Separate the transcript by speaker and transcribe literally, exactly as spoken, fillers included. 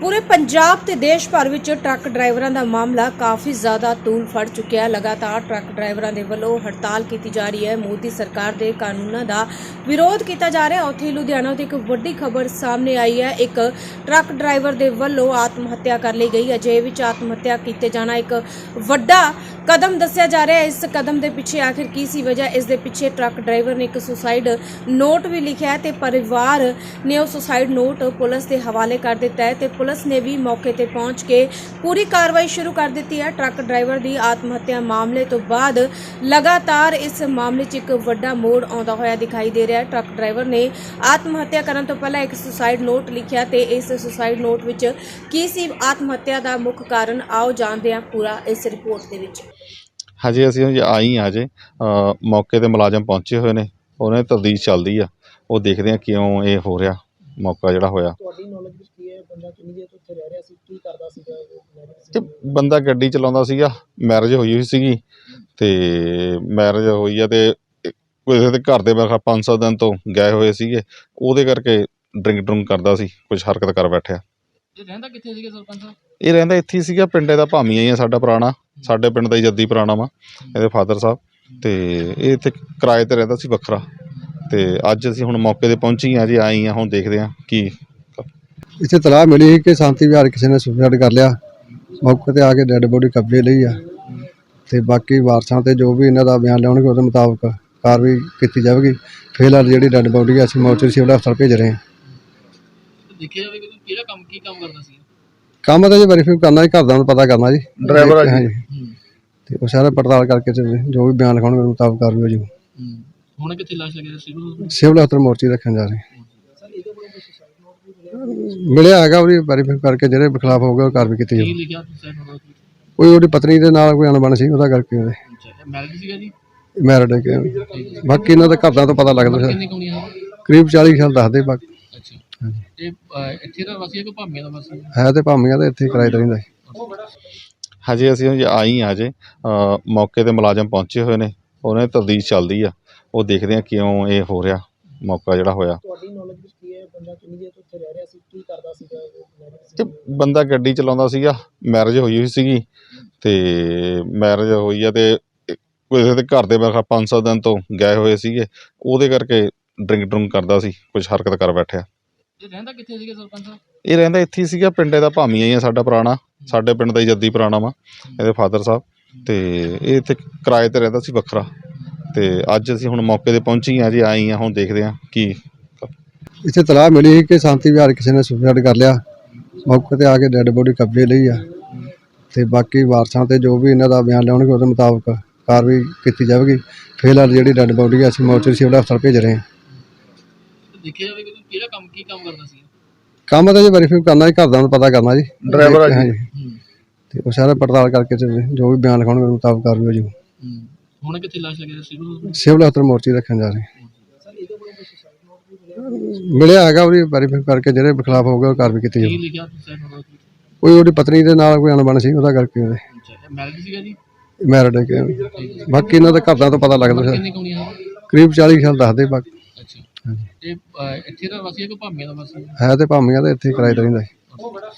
Speaker 1: पूरे पंजाब ते देश भर विच ट्रक ड्राइवरां दा मामला काफ़ी ज़्यादा तूल फड़ चुकिया है। लगातार ट्रक ड्राइवरां दे वल्लों हड़ताल की जा रही है। मोदी सरकार दे कानूनां दा विरोध किया जा रहा है। उत्थे लुधियाना तो एक वड्डी खबर सामने आई है। एक ट्रक ड्राइवर दे वल्लों आत्म हत्या कर ली गई। अजे विच आत्म हत्या कीते जाना एक वड्डा कदम दस्सिया जा रहा है। इस कदम के पिछे आखिर की सी वजह, इस दे पिछे ट्रक ड्राइवर ने एक सुसाइड नोट भी लिखा है ते परिवार ने वो सुसाइड नोट पुलिस के हवाले कर दिता है ते पुलिस ने भी मौके ते पहुंच के पूरी कार्रवाई शुरू कर दी है। ट्रक ड्राइवर की आत्महत्या मामले तो बाद लगातार इस मामले च एक वड्डा मोड़ आउंदा होया दिखाई दे रहा है। ट्रक ड्राइवर ने आत्महत्या करने तो पहले एक सुसाइड नोट लिखा ते इस सुसाइड नोट विच की सी आत्महत्या का मुख्य कारण, आओ जानते हैं पूरा इस रिपोर्ट के विच।
Speaker 2: हजे ਅਸੀਂ आई हाँ अजे मौके ते मुलाजम पहुंचे हुए ने, उन्हें तफ्तीश चलदी आ, वो देखते हैं क्यों ये हो रहा मौका जिहड़ा होया। बंदा गड्डी चलाउंदा सीगा, मैरिज होई हुई सीगी ते मैरिज होई आ ते किसी दे घर दे मेरे पाँच सौ दिन तो गए हुए सीगे, ਉਹਦੇ ਕਰਕੇ ड्रिंक ड्रुंक करदा सी, कुछ हरकत कर बैठिया।
Speaker 3: ਇਹ ਰਹਿੰਦਾ ਕਿੱਥੇ ਸੀਗਾ ਸਰਪੰਚ ਸਾਹਿਬ?
Speaker 2: ਇਹ ਰਹਿੰਦਾ ਇੱਥੇ ਹੀ ਸੀਗਾ, ਪਿੰਡੇ ਦਾ ਭਾਮੀਆ ਹੀ ਆ ਸਾਡਾ ਪੁਰਾਣਾ, ਸਾਡੇ ਪਿੰਡ ਦਾ ਹੀ ਜੱਦੀ ਪੁਰਾਣਾ ਵਾ ਇਹਦੇ ਫਾਦਰ ਸਾਹਿਬ, ਤੇ ਇਹ ਇੱਥੇ ਕਿਰਾਏ ਤੇ ਰਹਿੰਦਾ ਸੀ ਵੱਖਰਾ। ਤੇ ਅੱਜ ਅਸੀਂ ਹੁਣ ਮੌਕੇ ਤੇ ਪਹੁੰਚੀ ਹਾਂ ਜੀ, ਆਏ ਹਾਂ, ਹੁਣ ਦੇਖਦੇ ਹਾਂ ਕੀ।
Speaker 4: ਇੱਥੇ ਤਲਾਹ ਮਿਲੀ ਸੀ ਕਿ ਸ਼ਾਂਤੀ ਵਿਹਾਰ ਕਿਸੇ ਨੇ ਸੁਸਾਈਡ ਕਰ ਲਿਆ। ਮੌਕੇ ਤੇ ਆ ਕੇ ਡੈੱਡ ਬੋਡੀ ਕਬਜ਼ੇ ਲਈ ਆ ਤੇ ਬਾਕੀ ਵਾਰਸਾਂ ਤੇ ਜੋ ਵੀ ਇਹਨਾਂ ਦਾ ਬਿਆਨ ਲਿਆਉਣਗੇ ਉਹਦੇ ਮੁਤਾਬਕ ਕਾਰਵਾਈ ਕੀਤੀ ਜਾਵੇਗੀ। ਫਿਲਹਾਲ ਜਿਹੜੀ ਡੈੱਡ ਬੋਡੀ ਆ ਅਸੀਂ ਮੌਚਰੀ ਸਿਵਲ ਹਸਪਤਾਲ ਭੇਜ ਰਹੇ ਹਾਂ।
Speaker 3: ਦੇਖਿਆ ਜਾਵੇ ਕਿ ਕਿਹੜਾ ਕੰਮ ਕੀ ਕੰਮ ਕਰਦਾ ਸੀ?
Speaker 4: ਕੰਮ ਤਾਂ ਜੀ ਵੈਰੀਫਾਈ ਕਰਨਾ ਜੀ, ਘਰਦਿਆਂ ਨੂੰ ਪਤਾ ਕਰਨਾ ਜੀ,
Speaker 2: ਡਰਾਈਵਰ ਆ
Speaker 4: ਜੀ, ਤੇ ਉਹ ਸਾਰਾ ਪੜਤਾਲ ਕਰਕੇ ਤੇ ਜੋ ਵੀ ਬਿਆਨ ਲਿਖਾਉਣਗੇ ਉਹਦੇ ਮੁਤਾਬਕ ਕਾਰਵਾਈ ਹੋ ਜਾਊ।
Speaker 3: ਹੁਣ ਕਿੱਥੇ ਲਾਸ਼ ਲੱਗੀ ਸੀ?
Speaker 4: ਸਿਵਲ ਹਸਪਤਾਲ ਮੋਰਚੀ ਰੱਖਣ ਜਾ ਰਹੇ ਮਿਲਿਆ ਹੈਗਾ, ਉਹਦੀ ਵੈਰੀਫਾਈ ਕਰਕੇ ਜਿਹੜੇ ਖਿਲਾਫ ਹੋਊਗਾ ਉਹ ਕਾਰਵਾਈ ਕੀਤੀ ਜਾਊ।
Speaker 3: ਕੀ ਲਿਖਿਆ ਸੁਸਾਈਡ ਨੋਟ?
Speaker 4: ਕੋਈ ਉਹਦੀ ਪਤਨੀ ਦੇ ਨਾਲ ਕੋਈ ਅਣਬਣ ਸੀ, ਉਹਦਾ ਕਰਕੇ ਉਹਦੇ
Speaker 3: ਮੈਰਿਜ ਸੀਗਾ ਜੀ?
Speaker 4: ਮੈਰਿਡ ਹੈ। ਬਾਕੀ ਇਹਨਾਂ ਦੇ ਘਰਦਿਆਂ ਤੋਂ ਪਤਾ ਲੱਗਦਾ
Speaker 3: ਕਿੰਨੀ ਕੁ ਹੋਣੀ ਹੈ?
Speaker 4: ਕਰੀਬ ਚਾਲੀ ਸਾਲ ਦੱਸਦੇ। ਬਾਕੀ
Speaker 3: ਅੱਛਾ, ਇਹ ਇੱਥੇ ਦਾ ਵਾਸੀ ਹੈ ਕਿ ਭਾਮੀਆਂ ਦਾ ਵਾਸੀ
Speaker 4: ਹੈ? ਤੇ ਭਾਮੀਆਂ ਦਾ ਇੱਥੇ ਕਿਰਾਏ ਤੇ ਰਹਿੰਦਾ ਹੈ।
Speaker 2: ਹਜੇ ਅਸੀਂ ਆਈ ਹਾਂ ਅਜੇ ਮੌਕੇ ਤੇ ਮੁਲਾਜ਼ਮ ਪਹੁੰਚੇ ਹੋਏ ਨੇ, ਉਹਨਾਂ ਦੀ ਤਫਤੀਸ਼ ਚੱਲਦੀ ਆ, ਉਹ ਦੇਖਦੇ ਹਾਂ ਕਿਉਂ ਇਹ ਹੋ ਰਿਹਾ ਮੌਕਾ ਜਿਹੜਾ ਹੋਇਆ। ਇਹ ਬੰਦਾ ਗੱਡੀ ਚਲਾਉਂਦਾ ਸੀਗਾ, ਮੈਰਿਜ ਹੋਈ ਹੋਈ ਸੀਗੀ ਤੇ ਮੈਰਿਜ ਹੋਈ ਆ ਤੇ ਕਿਸੇ ਦੇ ਘਰ ਦੇ ਮੇਰੇ ਪੰਜ ਸੌ ਦਿਨ ਤੋਂ ਗਏ ਹੋਏ ਸੀਗੇ, ਉਹਦੇ ਕਰਕੇ ਡਰਿੰਕ ਡਰੁੰਕ ਕਰਦਾ ਸੀ, ਕੁਛ ਹਰਕਤ ਕਰ ਬੈਠਿਆ।
Speaker 3: ਇਹ ਰਹਿੰਦਾ ਕਿੱਥੇ ਸੀਗਾ ਸਰਪੰਚ ਸਾਹਿਬ?
Speaker 2: ਇਹ ਰਹਿੰਦਾ ਇੱਥੇ ਹੀ ਸੀਗਾ, ਪਿੰਡੇ ਦਾ ਭਾਮੀਆ ਹੀ ਆ ਸਾਡਾ ਪੁਰਾਣਾ, ਸਾਡੇ ਪਿੰਡ ਦਾ ਹੀ ਜੱਦੀ ਪੁਰਾਣਾ ਵਾ ਇਹਦੇ ਫਾਦਰ ਸਾਹਿਬ, ਤੇ ਇਹ ਇੱਥੇ ਕਿਰਾਏ ਤੇ ਰਹਿੰਦਾ ਸੀ ਵੱਖਰਾ। ਤੇ ਅੱਜ ਅਸੀਂ ਹੁਣ ਮੌਕੇ ਤੇ ਪਹੁੰਚੀ ਹਾਂ ਜੀ, ਆਏ ਹਾਂ, ਹੁਣ ਦੇਖਦੇ ਹਾਂ ਕੀ।
Speaker 4: ਇੱਥੇ ਤਲਾਹ ਮਿਲੀ ਸੀ ਕਿ ਸ਼ਾਂਤੀ ਵਿਹਾਰ ਕਿਸੇ ਨੇ ਸੁਸਾਈਡ ਕਰ ਲਿਆ। ਮੌਕੇ ਤੇ ਆ ਕੇ ਡੈੱਡ ਬੋਡੀ ਕਬਜ਼ੇ ਲਈ ਆ ਤੇ ਬਾਕੀ ਵਾਰਸਾਂ ਤੇ ਜੋ ਵੀ ਇਹਨਾਂ ਦਾ ਬਿਆਨ ਲਿਆਉਣਗੇ ਉਹਦੇ ਮੁਤਾਬਕ ਕਾਰਵਾਈ ਕੀਤੀ ਜਾਵੇਗੀ। ਫਿਲਹਾਲ ਜਿਹੜੀ ਡੈੱਡ ਬੋਡੀ ਆ ਅਸੀਂ ਮੌਚਰੀ ਸਿਵਲ ਹਸਪਤਾਲ ਭੇਜ ਰਹੇ ਹਾਂ।
Speaker 3: ਦੇਖਿਆ ਜਾਵੇ ਕਿ ਕਿਹੜਾ ਕੰਮ ਕੀ ਕੰਮ ਕਰਦਾ ਸੀ?
Speaker 4: ਕੰਮ ਤਾਂ ਜੀ ਵੈਰੀਫਾਈ ਕਰਨਾ ਜੀ, ਘਰਦਿਆਂ ਨੂੰ ਪਤਾ ਕਰਨਾ ਜੀ,
Speaker 2: ਡਰਾਈਵਰ ਆ
Speaker 4: ਜੀ, ਤੇ ਉਹ ਸਾਰਾ ਪੜਤਾਲ ਕਰਕੇ ਤੇ ਜੋ ਵੀ ਬਿਆਨ ਲਿਖਾਉਣਗੇ ਉਹਦੇ ਮੁਤਾਬਕ ਕਾਰਵਾਈ ਹੋ ਜਾਊ।
Speaker 3: ਹੁਣ ਕਿੱਥੇ ਲਾਸ਼ ਲੱਗੀ ਸੀ?
Speaker 4: ਸਿਵਲ ਹਸਪਤਾਲ ਮੋਰਚੀ ਰੱਖਣ ਜਾ ਰਹੇ ਮਿਲਿਆ ਹੈਗਾ, ਉਹਦੀ ਵੈਰੀਫਾਈ ਕਰਕੇ ਜਿਹੜੇ ਖਿਲਾਫ ਹੋਊਗਾ ਉਹ ਕਾਰਵਾਈ ਕੀਤੀ ਜਾਊ।
Speaker 3: ਕੀ ਲਿਖਿਆ ਸੁਸਾਈਡ ਨੋਟ?
Speaker 4: ਕੋਈ ਉਹਦੀ ਪਤਨੀ ਦੇ ਨਾਲ ਕੋਈ ਅਣਬਣ ਸੀ, ਉਹਦਾ ਕਰਕੇ ਉਹਦੇ
Speaker 3: ਮੈਰਿਜ ਸੀਗਾ ਜੀ?
Speaker 4: ਮੈਰਿਡ ਹੈ। ਬਾਕੀ ਇਹਨਾਂ ਦੇ ਘਰਦਿਆਂ ਤੋਂ ਪਤਾ ਲੱਗਦਾ
Speaker 3: ਕਿੰਨੀ ਕੁ ਹੋਣੀ ਹੈ?
Speaker 4: ਕਰੀਬ ਚਾਲੀ ਸਾਲ ਦੱਸਦੇ। ਬਾਕੀ
Speaker 3: ਅੱਛਾ, ਇਹ ਇੱਥੇ ਦਾ ਵਾਸੀ ਹੈ ਕਿ ਭਾਮੀਆਂ ਦਾ ਵਾਸੀ
Speaker 4: ਹੈ ਤੇ ਭਾਮੀਆਂ ਦਾ ਇੱਥੇ ਕਿਰਾਏ ਤੇ ਰਹਿੰਦਾ ਹੈ।